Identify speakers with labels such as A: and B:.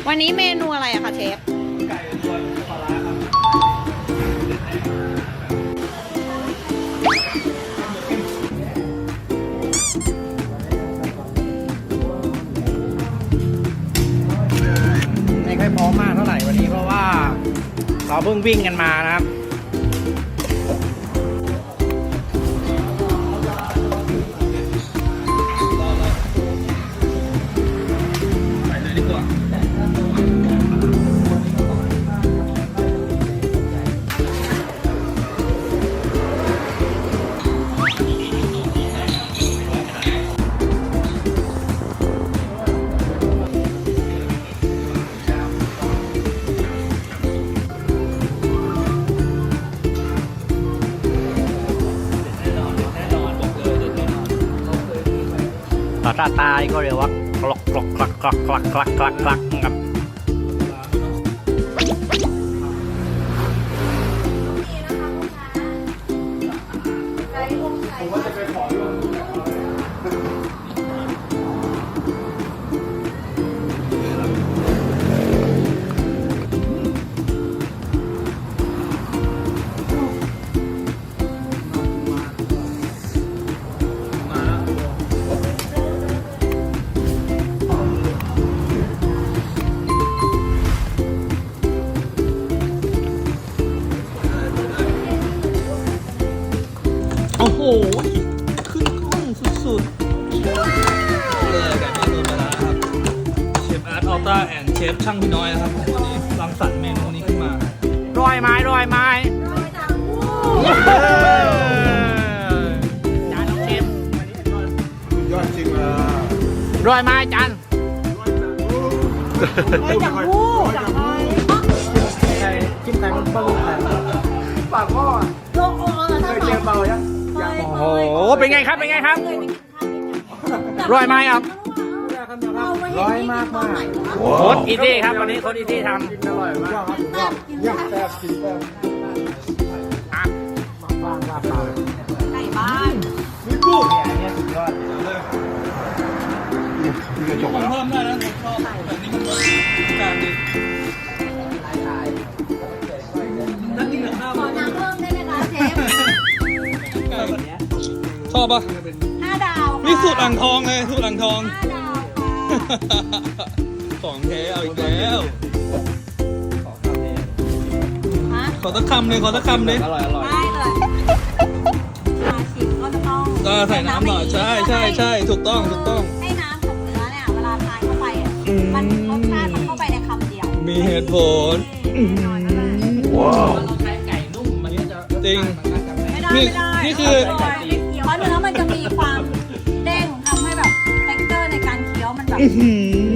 A: วันนี้เมนูอะไรอะคะเชฟ
B: ไก่รวนปลาร้าครับไม่ค่อยพร้อมมากเท่าไหร่วันนี้เพราะว่าเราเพิ่งวิ่งกันมานะครับไปเลยดีกว่าภาษาใต้ก็เรียกว่ากลอกกลอกกลักกลักกลักกลักกลักกลักครับโอ้โหขึ้นกล้องสุดๆเลยไก่เมนูปลาร้าครับเชฟอาร์ตอัลต้าแอนด์เชฟช่างพี่น้อยนะครับวันนี้รังสรรค์เมนูนี้ขึ้นมาร้อยไม้ร้อยไม้จานน้องเชฟยอดจริงอ่ะร้อยไม้จาน
A: จากผู้จากใคร
B: จิ้มไก่มันเบิ้ลไก่ปากพ่อ
A: โลกโอ้เคยเจอเบายัง
B: โอ้โหเป็นไงครับเป็นไงครับร้อยไม้ครับร้อยมากมากโค้ดอีตี้ครับวันนี้โค้ดอีตี้ทำกินอร่อยมากครับย่างแซ่บกินแซ่บฟัง
A: ไก่บ้าน
B: นี่กูเนี่ยสุดยอดนี่กระจกเพิ่มได้นะชอบแบบนี้มันการดีนั่นกินกับข้าว
A: ขอน้ำเพิ่มได้ไหมคะเชฟ
B: ชอบปะ
A: 5 ดาว
B: นี่สูตรอ่างทองเลยสูตรอ่างทอง
A: 5 ดาว
B: ของแท้เอาอีกแล้วขอสักคำเลยขอสักคำเลยอร่อย
A: ได้เลยมาชิมก็จะต้อง
B: ใส่น้ำหน่อยใช่ใช่ใช่ถูกต้องถูกต้อง
A: ให้น้ำกับเนื้อเนี่ยเวลาทานเข้าไปมันรสชาติมันเข้าไปในคำเดียว
B: มีเหตุผลว้าวเราใช้ไก่นุ่มมันจะจริงนี่คือ
A: เพราะเนื้อมันจะมีความเด้งทำให้แบบเท็กเจอร์ในการเคี้ยวมันแบบ